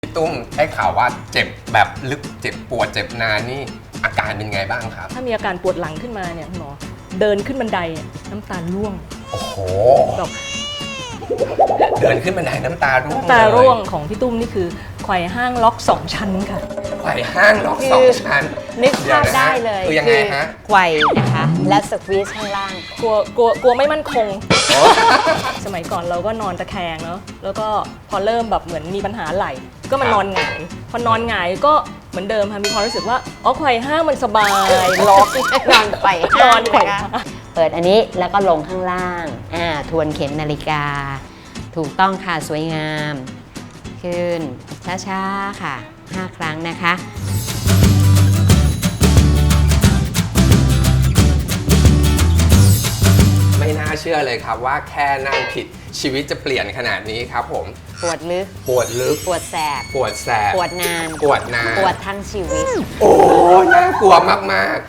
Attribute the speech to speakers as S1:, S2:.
S1: พี่ตุ้มได้ข่าวว่าเจ็บแบบลึกเจ็บปวดเจ็บนานนี่อาการเป็นไงบ้างครับ
S2: ถ้ามีอาการปวดหลังขึ้นมาเนี่ยคุณหมอเดินขึ้นบันไดน้ำตาร่วง
S1: โอ้โห
S2: แบบ
S1: เดินขึ้นบันไดน้ำตาร่วง
S2: น้ำตาร่วงของพี่ตุ้มนี่คือไขว่ห้างล็อก2 ชั้นค่ะ
S1: ไขว่ห้างล็อกสองชั้น
S3: นึกภาพได้เลย
S1: คือยังไงฮะ
S3: ไขว่นะคะ และสควีซข้างล่าง
S2: กลัวไม่มั่นคง สมัยก่อนเราก็นอนตะแคงเนาะแล้วก็พอเริ่มแบบเหมือนมีปัญหาไหล่ก็มานอนหงายพอนอนหงายก็เหมือนเดิมค่ะมีความรู้สึกว่าอ๋อไขว่ห้างมันสบายล็อก
S3: นอนไขว่
S2: น
S3: ห้า
S2: อง นไขว่
S3: นะคะ
S2: ห้าง
S3: เปิดอันนี้แล้วก็ลงข้างล่างทวนเข็มนาฬิกา ถูกต้องค่ะสวยงาม ขึ้นช้าๆค่ะ 5 ครั้งนะคะ
S1: ไม่น่าเชื่อเลยครับว่าแค่นั่งผิดชีวิตจะเปลี่ยนขนาดนี้ครับผม
S3: ปวดลึก
S1: ปวดลึก
S3: ปวดแสบ
S1: ปวดแสบ
S3: ปวดนาน
S1: ปวดนาน
S3: ปวดทั้งชีวิต
S1: โอ้น่ากลัวมาก